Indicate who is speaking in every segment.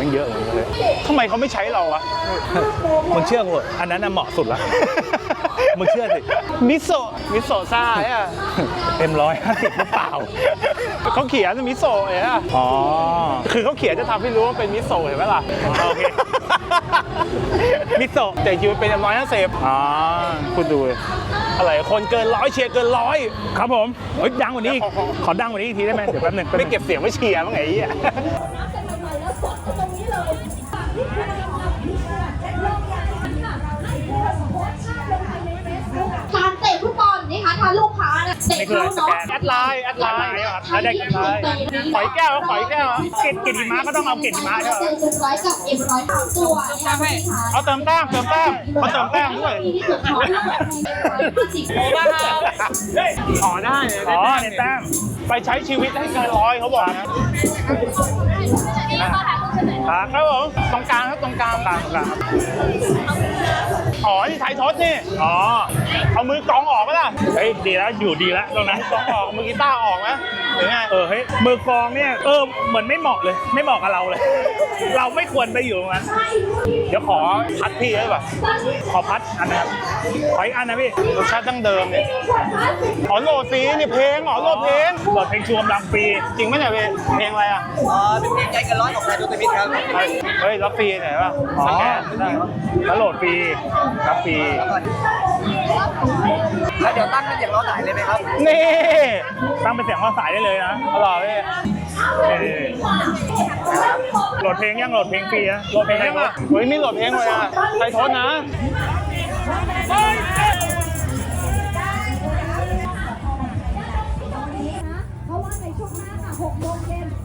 Speaker 1: มันเยอะเลย
Speaker 2: ทำไมเขาไม่ใช้เราอะ
Speaker 1: มึงเชื่อกูอันนั้นน่ะเหมาะสุดละมึงเชื่อสิ
Speaker 2: มิโซะซ่าอ่ะ
Speaker 1: 150หรือเปล่า
Speaker 2: เขาเขียนมิโซะอ่ะ
Speaker 1: อ๋อ
Speaker 2: คือเขาเขียนจะทำให้รู้ว่าเป็นมิโซะเห็นไหมล่ะ
Speaker 1: โอเคมิโซะ
Speaker 2: แต่จริงๆเป็น150
Speaker 1: อ๋อ
Speaker 2: คุณดูอะไรคนเกิน100เชียร์เกิน100
Speaker 1: ครับผมเฮ้ยดังกว่านี้ขอดังกว่านี้อีกทีได้ไหมเดี๋ยวแป๊บนึง
Speaker 2: ไม่เก็บเสียงไม่เชียร์มั้งไงอ่ะ
Speaker 3: การเตะฟุตบอลนี่คะถ้าลูกค้าเนี่ยเตะเข้าเนาะ
Speaker 2: แอดไลน์
Speaker 1: ครับแล้วได้กันไลน์
Speaker 2: ขอยแก้ว
Speaker 1: เกตหิมะก็ต้องเอาเกตหิมะใช่ไหม
Speaker 3: 100กับ100ตัวนะคะ
Speaker 2: เอาเติมแต้มเขาเติมแต้มด้วย
Speaker 1: อ๋อได้ในแต้ม
Speaker 2: ไปใช้ชีวิตให้เกิน100เขาบอกนะครับผมตรงกลางครับตรงกลางอ๋อนี่ไทยทศนี่
Speaker 1: อ๋อ
Speaker 2: เอามือกองออกไหมล่ะ
Speaker 1: เฮ้ยดีแล้วอยู่ดีแล้วตรงนั้น
Speaker 2: กองออกมือกีตาร์ออกไหมหรือไง
Speaker 1: เฮ้ยมือกองเนี่ยเหมือนไม่เหมาะเลยไม่เหมาะกับเราเลยเราไม่ควรไปอยู่ตรงนั้น
Speaker 2: เดี๋ยวขอพัดพี่ได้ป่ะ
Speaker 1: ขอพัดอันนะครับขออีกอันนะพี่
Speaker 2: รสชาติดั้งเดิมเนี่ยอ๋อโหลดฟรีนี่เพลงโหลดเพลง
Speaker 1: ชูกำลังฟรี
Speaker 2: จริงไหมเนี่ยเพลงอะไรอ่ะ
Speaker 4: เป็นเพลงใจกันร้อยของไทยทุกทมิตครับ
Speaker 2: เฮ้ยรับฟรีไหนป่ะ
Speaker 1: สแกนได้แล้วโหลดฟรีรับฟรี
Speaker 4: แล้วเดี๋ยวตั้งเป็นเสียงล้อสายเลยไหมครับ
Speaker 1: นี่ตั้งเป็นเสียงล้อสายได้เลยนะ
Speaker 2: อร่อยพี่
Speaker 1: โหลดเพลงยังโหลดเพลงฟรีนะโหลดเพลงยังอ่ะ
Speaker 2: เฮ้ยนี่โหลดเพลงเลยอ่ะไทยทศนะ
Speaker 3: เพราะว่าในช่วงหน้าค่ะ6 โมงเย็น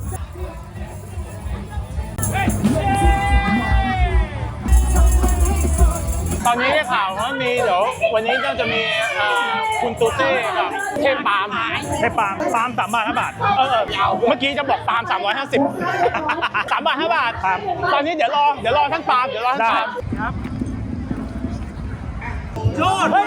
Speaker 2: ตอนนี้ได้ข่าวว่ามีเดี๋ยววันนี้ก็จะมีคุณตูเต้กับเทพปาล์ม
Speaker 1: ปาล์ม3 บาท 5 บาท
Speaker 2: เมื่อกี้จะบอกปาล์ม350 3 บาท 5 บาทครับตอนนี้เดี๋ยวรอท่านปาล์มครับ
Speaker 4: โลด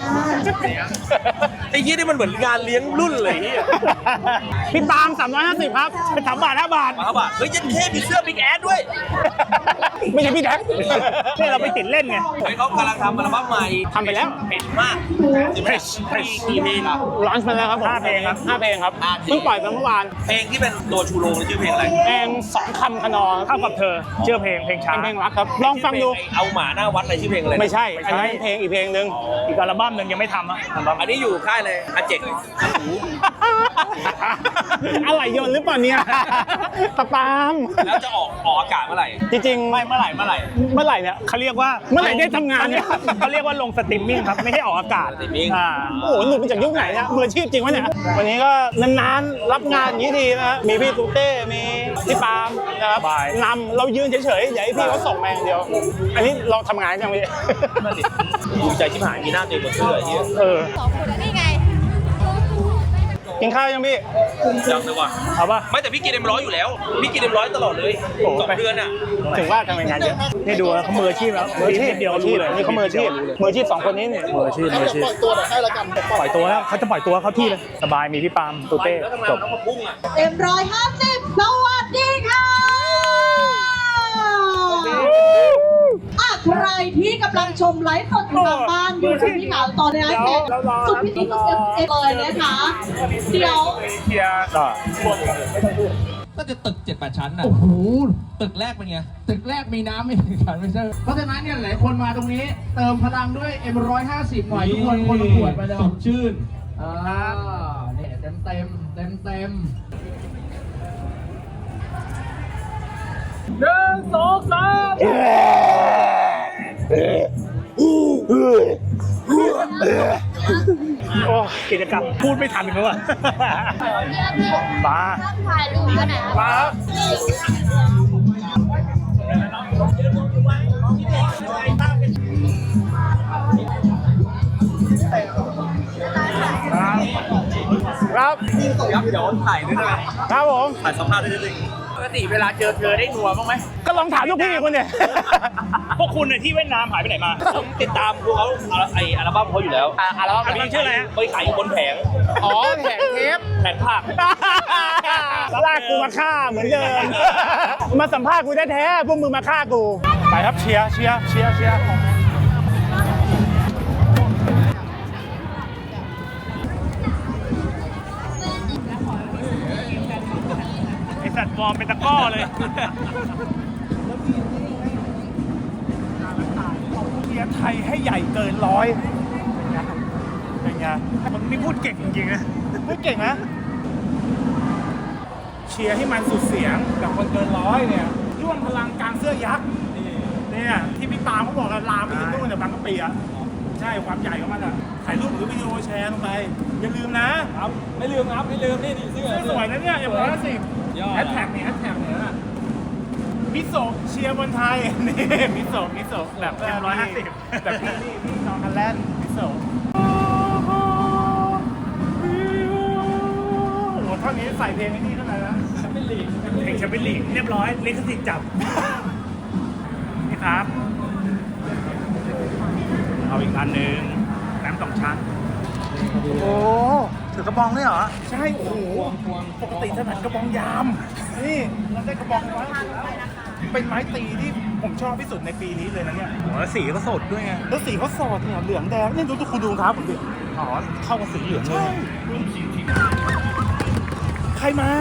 Speaker 4: ไอ้ยี่นี่มันเหมือนงานเลี้ยงรุ่นเลย
Speaker 2: พี่ปาล์ม350ครับ3 บาท 5 บาท
Speaker 4: เฮ้ยยันเท่มีเสื้อบิ๊กแอดด้วย
Speaker 2: ไม่ใช่พี่แท็ก
Speaker 1: นี่เราไปติดเล่นไง
Speaker 4: เฮ้ยเขากำลังทำอัลบั้มใหม่
Speaker 2: ทำไปแล้ว
Speaker 4: เป็นมากกี่เพลง
Speaker 2: ลอนช์มาแล้วครับผม5 เพลงครับเพิ่งปล่อยไปเมื่อวาน
Speaker 4: เพลงที่เป็นตัวชูโรงชื่อเพลงอะไร
Speaker 2: เพลง2 คำคะนอ
Speaker 1: เท่ากับเธอชื่อเพลงช้า
Speaker 2: เพลงรักครับลองฟังดู
Speaker 4: เอาหมาหน้าวัดอะไรชื่อเพลงอะไร
Speaker 2: ไม่ใช่อันนี้เพลงอีกเพลงนึง
Speaker 1: อีกอัลบั้มนึงยังไม่ทำ
Speaker 4: อันนี้อยู่ค่ายเลยอาเจกเลย
Speaker 2: อะไรโยนหรือเปล่าเนี่ยตะปาม
Speaker 4: แล้วจะออกอากาศเมื่อไหร่
Speaker 2: จริงๆ
Speaker 4: ไม่เมื่อไหร่
Speaker 2: เนี่ย
Speaker 1: เขาเรียกว่า
Speaker 2: เมื่อไหร่ได้ทำงานเนี่ย
Speaker 1: เขาเรียกว่าลงสตรีมมิ่งครับไม่ให้ออกอากาศ
Speaker 2: โอ้โหหลุดมาจากยุคไหนเนี่ยมืออาชีพจริงวะเนี่ยวันนี้ก็นานๆรับงานอย่างนี้ทีนะมีพี่ตูเต้มีพี่ปาล์มนะครับนำเรายืนเฉยๆอย่าให้พี่เขาส่งมาอย่างเดียวอันนี้เราทำงานยังไง
Speaker 4: ดูใจชิบหายมีหน้าตัวเองบนเสื้อเหี้ย
Speaker 3: 2 คนนี่ไง
Speaker 2: กินข้าวยังพี่
Speaker 4: ยังเลยว่ะ
Speaker 1: เอาป่ะ
Speaker 4: ไม่แต่พี่กิน100อยู่แล้วพี่กิน100ตลอดเลย2 เดือนอ่ะ
Speaker 2: ถึงว่าทำงานเยอะ
Speaker 1: นี่ดูเขามืออาชีพแล้วมืออาชีพเดียวรู้เลย
Speaker 2: นี่เขามืออาชีพ2 คนนี้เนี่ย
Speaker 1: มืออาชีพปล่อยตัวหน่อยให้ละกันปล่อยตัวแล้วเขาจะปล่อยตัวเขาที่เลยสบายมีพี่ปาล์มตูเต้จบ
Speaker 3: เต็ม150สวัสดีค่ะใครที่กำลังชมไลฟ์สดอยู่ทางบ้านอยู่ที่พี่ขาวตอนนี้แขกสุดพิเศษเลยนะคะเดี๋ยว
Speaker 4: ก็จะตึก 7-8 ชั้นน่ะ
Speaker 5: โอ้โห
Speaker 4: ตึกแรกเป็นไง
Speaker 5: ตึกแรกมีน้ำไม่ถึงกันไม่ใช่เพราะฉะนั้นเนี่ยหลายคนมาตรงนี้เติมพลังด้วย M150 หน่อยทุกคนคนละขวดไปเลย
Speaker 4: สดชื่น
Speaker 5: เนี่ยเต็ม1 2 3
Speaker 1: โอ้กิจกรรมพูดไม่ทันเขาอะมา
Speaker 3: ถ่ายรูปกันไหน
Speaker 1: มา
Speaker 2: ครับ
Speaker 4: เดี๋ยวถ่ายด้วยนะครับ
Speaker 2: ผม
Speaker 4: ถ่ายสัมภาษณ์ด้วยปกติเวลาเจอเธอได้นัวบ้างไหม
Speaker 2: ก็ลองถามลูกพี่คุณเนี่ย
Speaker 1: พวกคุณเนี่ยที่เวียดนามหายไปไหนมา
Speaker 4: ผมติดตามพวกเขาอัลบั้มเขาอยู่แล้ว
Speaker 2: อัลบั้ม
Speaker 1: นี้ชื่ออะไรฮะ
Speaker 4: ไปขายอยู่บนแผง
Speaker 2: อ๋อแผงเทป
Speaker 4: แผงผัก
Speaker 2: ลากกูมาฆ่าเหมือนเดิมมาสัมภาษณ์กูแท้ๆพวกมึงมาฆ่ากูไปครับเชียร์ไอสัตว์ฟอร์มเป็นตะก้อเลยเชียร์ไทยให้ใหญ่เกิน100เป็นไงมันนี่พูดเก่งจริงๆนะพูดเก่งนะเชียร์ให้มันสุดเสียงกับคนเกิน100เนี่ยร่วมพลังกลางเสื้อยักษ์เนี่ยที่พี่ปาเขาบอกกันลามไปถึงนู่นเนี่ยบางกะปิอ่ะใช่ความใหญ่ของมันอ่ะถ่ายรูปหรือวิดีโอแชร์ลงไปอย่าลืมนะครับไม่ลืมนี่เสื้อสวยนะเนี่ย150แฮชแท็กเนี่ยมิโซะเชียร์บอลไทยนี่มิโซะแบบ150แบบพี่น้องกันแลนด์มิโซะเท่านี้ใส่เพลงนี้เท่าไหร่นะแชมเปี้ยนลีกเพลงแชมเปี้ยนลีกเรียบร้อยลิขสิทธิ์จับนี่ครับเอาอีกอันหนึ่งน้ำ2 ชั้นโอ้ถือกระบองเลยเหรอใช่โอ้โหปกติถนัดกระบองยามนี่เราได้กระบองไม้เป็นไม้ตีที่ผมชอบที่สุดในปีนี้เลยนะเนี่ยแล้วสีก็สดด้วยไงแล้วสีเขาสดเนี่ยเหลืองแดงนี่ดูคุณดูครับผมดิอ๋อเข้ากับสีเหลืองเลยใครมา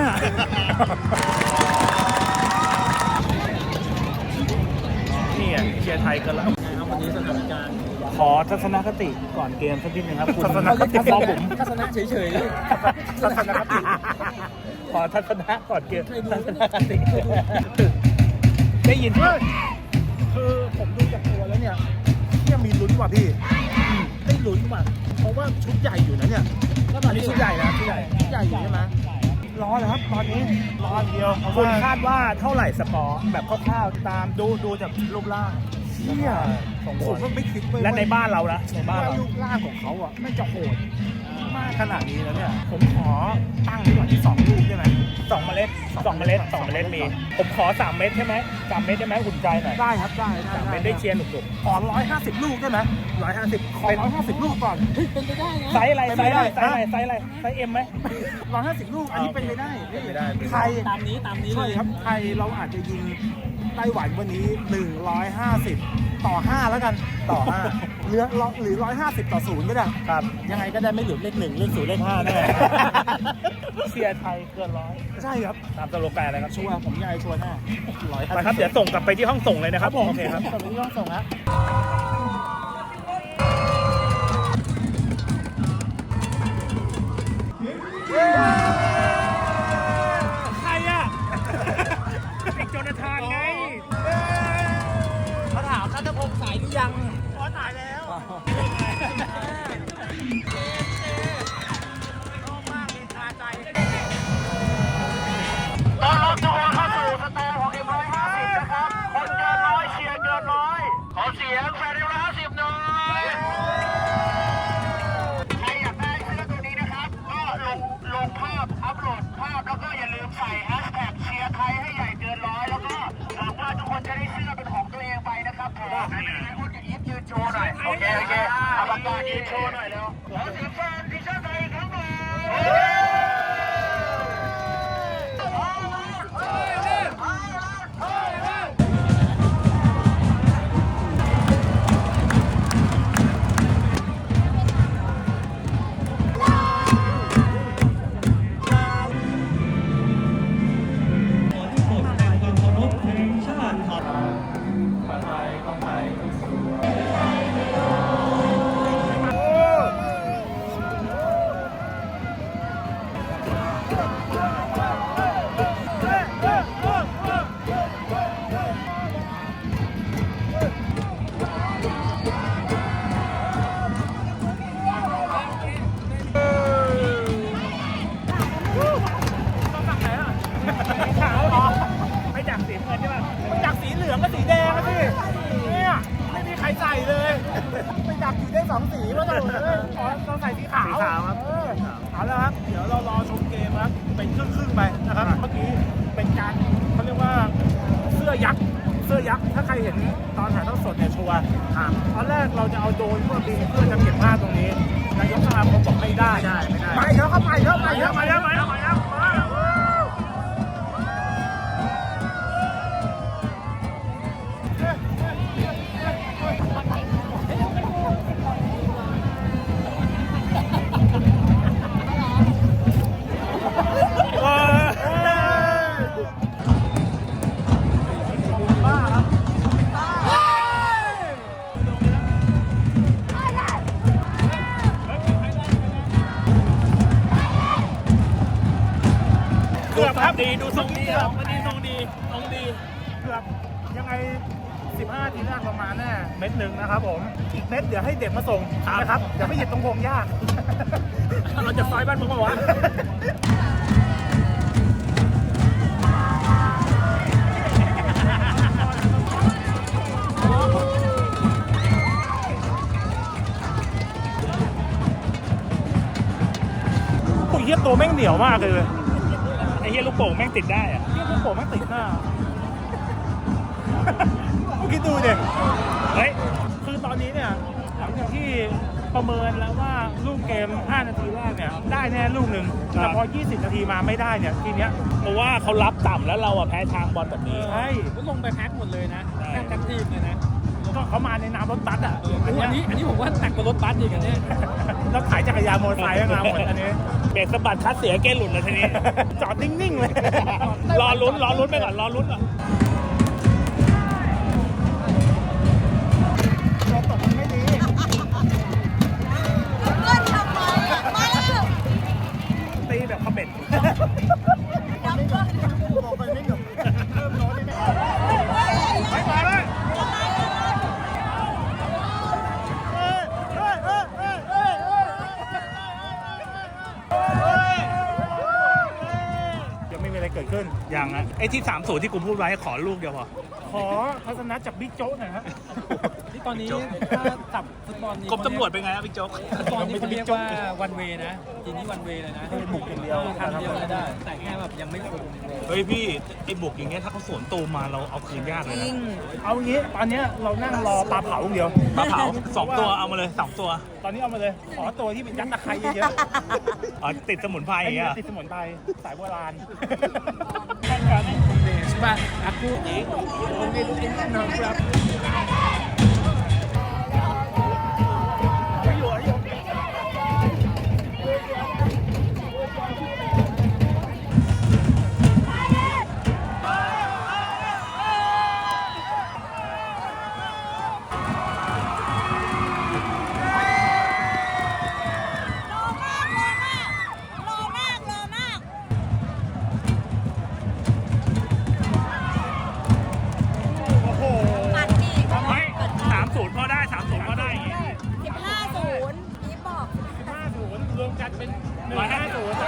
Speaker 2: นี่อ่ะเชียร์ไทยกันแล้ววันนี้สถานการณ์ขอทัศนคติก่อนเกมสักนิดนึงครับคุณทัศนคติมองผมทัศนะเฉยๆทัศนคติขอทัศนะก่อนเกมทัศนคติได้ยินไหมคือผมดูจากตัวแล้วเนี่ยยังมีลุ้นว่ะพี่ได้ลุ้นว่ะเพราะว่าชุดใหญ่อยู่นะเนี่ยตอนนี้ชุดใหญ่นะชุดใหญ่อยู่ใช่ไหมรอเลยครับตอนนี้รอเดียวคุณคาดว่าเท่าไหร่สกอร์แบบคร่าวๆตามดูจากรูปร่างเนี่ยผมก็ไม่คิดเลยและในบ้านเรานะในบ้านเรารูปร่างของเขาอ่ะไม่จะโหดมากขนาดนี้แล้วเนี่ยผมขอตั้งไว้ก่อนที่2 ลูกได้ไหม2 เมล็ดมีผมขอ3 เม็ดใช่ไหม3 เม็ดได้ไหมอุ่นใจหน่อยได้ครับได้3 เม็ดได้เชียร์หนุกๆขอ150 ลูกได้ไหม150ขอ150 ลูกก่อนเป็นไปได้นะไซส์อะไรไซส์เอ็มไหม150 ลูกอันนี้เป็นไปได้ไทยตามนี้ใช่ครับไทยเราอาจจะยิงไต้หวันวันนี้150 ต่อ 5แล้วกันต่อ 5หรือ150 ต่อ 0ก็ได้ครับยังไงก็ได้ไม่หลุดเลข 1 เลข 0 เลข 5แน่เชียร์ไทยเกิน100ใช่ครับตามสโลแกนเลยครับชัวร์ผมยายชัวร์แน่100ไปครับเดี๋ยวส่งกลับไปที่ห้องส่งเลยนะครับโอเคครับส่งไปที่ห้องส่งฮะใครอ่ะไอ้โจนาธานไงเขาถามนัทพงษ์สายหรือยังขอถ่ายแล้วชอบมากเลยคาใจต้อนรับทุกคนเข้าสู่สแตนของM150นะครับคนเกิน100เชียร์เกิน100ขอเสียงแฟนM150หน่อยใครอยากได้เสื้อตัวนี้นะครับก็ลงภาพอัพโหลดภาพแล้วก็อย่าลืมใส่แฮชแท็กเชียร์ไทยให้ใหญ่เกิน100แล้วก็หวังว่าทุกคนจะได้เสื้อเป็นของตัวเองไปนะครับผมคุณจะยิ้มยืนโชว์หน่อยโอเคเอาปากกายืนโชว์หน่อยแล้วขอเสียงแฟนทีมชาติไทยอีกครั้งหนึ่ง2 สีว่าเราใส่สีขาวครับเอาแล้วครับเดี๋ยวเรารอชมเกมครับเป็นครึ่งไปนะครับเมื่อกี้เป็นการเขาเรียกว่าเสื้อยักษ์ถ้าใครเห็นตอนถ่ายทอดสดเนี่ยชัวร์ตอนแรกเราจะเอาโดรนเพื่อบินเพื่อจะเก็บภาพตรงนี้นายกสมาคมบอกไม่ได้ไม่แล้วครับมาแล้วเกือบครับ
Speaker 1: ดีดูทรงดีครับวันนี้ทรงดี
Speaker 2: เกือบยังไง15ทีแรกประมาณแน่เม็ดหนึ่งนะครับผมอีกเม็ดเดี๋ยวให้เด็กมาส่งนะครับเดี๋ยวไม่เหยียบตรงพงหญ้า
Speaker 1: เราจะซอยบ้านมึงปะวะ
Speaker 2: ปุ๋ยเยี่ยตัวแม่งเหนียวมากเลย
Speaker 1: ไอ้เหี้ยลูกโป่งแม่งติดได้อะ
Speaker 2: เยี่ยตัวโผล่แม่งติดหน้า คิดดูดิ
Speaker 1: เฮ้ย
Speaker 2: คือตอนนี้เนี่ยหลังจากที่ประเมินแล้วว่าลูกเกม5นาทีแรกเนี่ยได้แน่ลูกหนึ่งแต่พอ20นาทีมาไม่ได้เนี่ยทีเนี้ย
Speaker 1: เพราะว่าเขารับต่ำแล้วเราอะแพ้ทางบอลแบบนี้
Speaker 2: ใช่
Speaker 5: ก็ลงไปแพ็คหมดเลยนะ
Speaker 1: ใช่
Speaker 5: แพ็คทั้งทีมเลยนะ
Speaker 2: ก็เขามาในนามรถบัสอ่ะ
Speaker 5: อันนี้ผมว่าหนักกว่ารถบัสอีกอันนี้
Speaker 2: แล้วขายจักรยานมอเตอร์ไซค์ก็มาหมดอันนี้
Speaker 1: เบรกสะบัดคัดเสียเกณฑ์หลุดเลยทีนี้
Speaker 2: จอดนิ่งๆเลย
Speaker 1: รอลุ้นไปก่อนรอลุ้นก่อน
Speaker 2: เราตกมันไม่ดี
Speaker 1: ตีแบบขม็ด
Speaker 2: บอกไปไม่หนุกเริ่มร้อนแน่ๆไปเลยยังไม่มีอะไรเกิดขึ้น
Speaker 1: อย่างอะไอ้ที่3-0ที่กูพูดไว้ขอลูกเดียวพอ
Speaker 2: ขอทัศนะจากบิ๊กโจ๊กหน่อยครับ
Speaker 5: ที่ตอนนี้ถ้าสับฟุตบอลนี้
Speaker 1: กรมตำรวจเป็นไงครับพี่โจ๊ก
Speaker 5: ฟุตบอลนี่เขาเรียกว่าวันเวนะทีนี้วันเวเลยนะ
Speaker 2: ให้บุกอย่างเดียว
Speaker 5: ทำเดียวเลยได้ แต่แค่แบบยังไม่คม
Speaker 1: เฮ้ยพี่ไอ้บุกอย่างเงี้ยถ้าเขาสวนตูมมาเราเอาคืนยากเลยนะ
Speaker 2: เอางี้ตอนเนี้ยเรานั่งรอปลาเผาอย่างเดียว
Speaker 1: ปลาเผา2 ตัวเอามาเลย2 ตัว
Speaker 2: ตอนนี้เอามาเลย ขอตัวที่เป็นยัดตะไคร้เยอะ
Speaker 1: อ๋อติดสมุนไพร
Speaker 2: ๆ
Speaker 1: อย่างเงี้ย
Speaker 2: ติดสมุนไพรสายโบราณ
Speaker 5: Coba aku nongkrong
Speaker 2: โอ้โห
Speaker 1: เฮ้ย3-0พอได้3-0พอได้อย่างงี้
Speaker 2: 50รวมกันเป็น150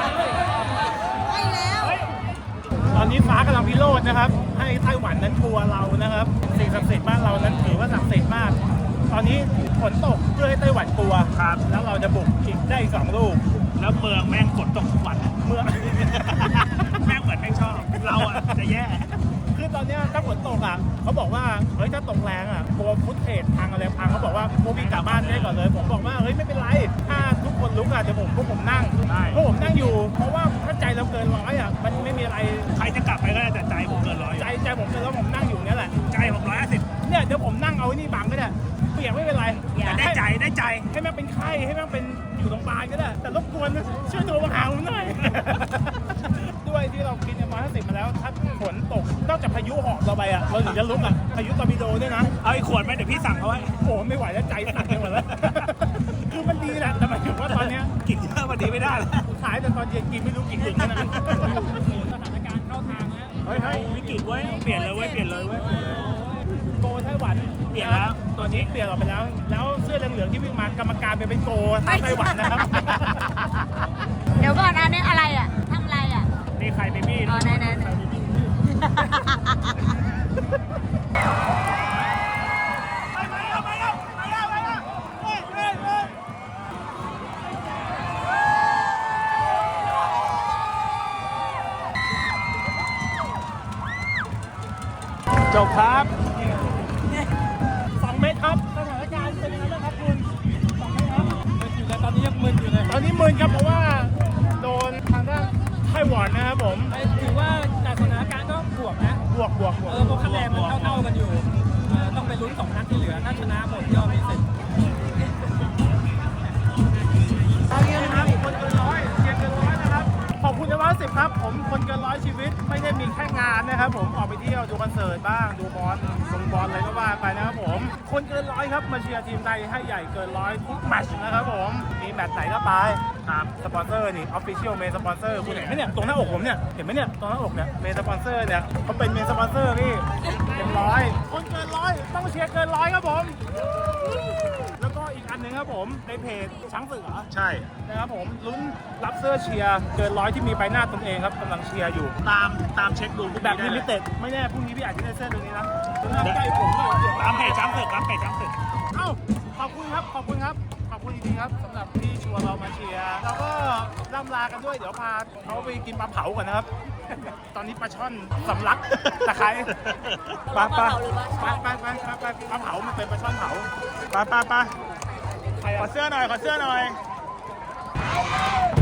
Speaker 2: ตอนนี้ฟ้ากำลังพิโรจน์นะครับ ให้ไต้หวันนั้นกลัวเรานะครับ สิ่งศักดิ์สิทธิ์บ้านเรานั้นถือว่าศักดิ์สิทธิ์มาก ตอนนี้ฝนตกเพื่อให้ไต้หวันกลัว
Speaker 1: ครับ
Speaker 2: แล้วเราจะบุกอีกได้อีก2 ลูก
Speaker 1: แล้วเมืองแม่งฝนตกทุกวัน
Speaker 2: เมื่อ
Speaker 1: แม่งเหมือนแม่งชอบเราอะจะแย่
Speaker 2: คือตอนเนี้ยถ้าฝนตกอ่ะเขาบอกว่าเฮ้ยถ้าตกแรงอ่ะกลัวฟุตเทจพังอะไรพังเขาบอกว่าพวกพี่กลับบ้านได้ก่อนเลย ผมบอกว่าเฮ้ยไม่เป็นไรถ้าทุกคนลุกอ่ะเดี๋ยวพวกผมนั่ง
Speaker 1: ได้
Speaker 2: พวกผมนั่งอยู่ เพราะว่าถ้าใจเราเกินร้อยอ่ะมันไม่มีอะไร
Speaker 1: ใครจะกลับไปก็ได้แต่ใจผมเกินร้อย
Speaker 2: ใจผมเกินแล้วผมนั่งอยู่เนี่ยแหละ
Speaker 1: ใจผม150
Speaker 2: เนี่ยเดี๋ยวผมนั่งเอาไอ้นี่บังก็ได้เปียกไม่เป็นไร
Speaker 1: แต่ได้ใจ
Speaker 2: ให้แม่งเป็นไข้ให้แม่งเป็นอยู่โรงพยาบาลก็ได้แต่รบกวนช่วยโทรมาหาผมหน่อย ด้วยที่เรากินมา50มาแล้วถ้าฝนตกนอกจากพายุหอบเราไปอ่ะเราถึงจะลุกอ่ะพายุตอร์ปิโดด้วยนะ
Speaker 1: เอาอีกขวดไหมเดี๋ยวพี่สั่งเขาไว้
Speaker 2: โอ้ไม่ไหวแล้วใจสั่นไปหมดแล้ว คือมันดีแหละแต่หมายถึงว่าตอนเนี้ย
Speaker 1: กินเยอะวันนี้ไม่ได้แล้ว
Speaker 2: ขายแต่ตอนเย็นกินไม่รู้กี่ถึงนะ
Speaker 5: สถานการณ์เข้าทางแล้ว
Speaker 2: เฮ้ย
Speaker 1: วิกฤตเว้ยเปลี่ยนเลยเว้ย
Speaker 2: โกไต้หวันเปลี่ยนแล้วตัวนี้เปลี่ยนออกไปแล้ว แล้วเสื้อเหลืองๆที่วิ่งมากรรมการเป็นโกไต้หวันนะครับ
Speaker 6: เดี๋ยวก่อนอันนี้อะไรอ่ะทำอะไรอ่ะ
Speaker 2: นี่ใครเบบี้
Speaker 6: อ๋อไหน
Speaker 1: จบครับ
Speaker 2: 2 เมตรครับสถานการณ์เป็นยังไงบ้างครับคุณ2 เมตรครับ
Speaker 5: อยู่แล้วตอนนี้ยังมึนอยู่เลย
Speaker 2: ตอนนี้มึนครับเพราะว่าโดนทางด้านไต้หวันนะครับผม
Speaker 5: ถือว่าจากสถานการณ์ก็บวกนะ
Speaker 2: บวก
Speaker 5: เพราะคะแนนมันเท่าๆกันอยู่ต้องไปลุ้น2 นัดที่เหลือถ้าชนะหมดก็มีสิทธิ์
Speaker 2: ตอนนี้นะครับคนเกินร้อยเกินร้อยนะครับขอบคุณนะว่า 50ครับผมคนเกินร้อยชีวิตไม่ได้มีแค่งานนะครับผมออกไปเที่ยวดูคอนเสิร์ตบ้างดูบอลอะไรก็ว่าไปนะครับผมคนเกินร้อยครับมาเชียร์ทีมไทยให้ใหญ่เกินร้อยทุกแมตช์นะครับผมมีแมตช์ไหนก็ไปครับสปอนเซอร์นี่ออฟฟิเชียลเมนสปอนเซอร์คุณเห็นไหมเนี่ยตรงหน้าอกผมเนี่ยเห็นไหมเนี่ยตรงหน้าอกเนี่ยเมนสปอนเซอร์เนี่ยเขาเป็นเมนสปอนเซอร์พี่เกินร้อยคนเกินร้อยต้องเชียร์เกินร้อยครับผมแล้วก็อีกอันหนึ่งครับผมในเพจช้างเสือใช่นะครับผมลุ้นรับเสื้อเชียร์เกินร้อยที่มีใบหน้าตนเองครับกำลังเชียร์อยู่
Speaker 4: ตามเช็คดู
Speaker 2: แบบลิมิเต็ดไม่แน่พรุ่งนี้พี่อาจจะได้เสื้อตัวนี้นะใกล้ผมเลยตามเพจช้างเสือครับเพจช้างเสือเอ้าขอบคุณครับขอบคุณจริงๆครับสำหรับที่ชวนเรามาเชียร์แล้วก็ล่ำลากันด้วยเดี๋ยวพาเขาไปกินปลาเผาก่อนนะครับตอนนี้ปลาช่อนสำลักตะไคร้ไปปลาเผามันเป็นปลาช่อนเผาไปขอเสื้อหน่อย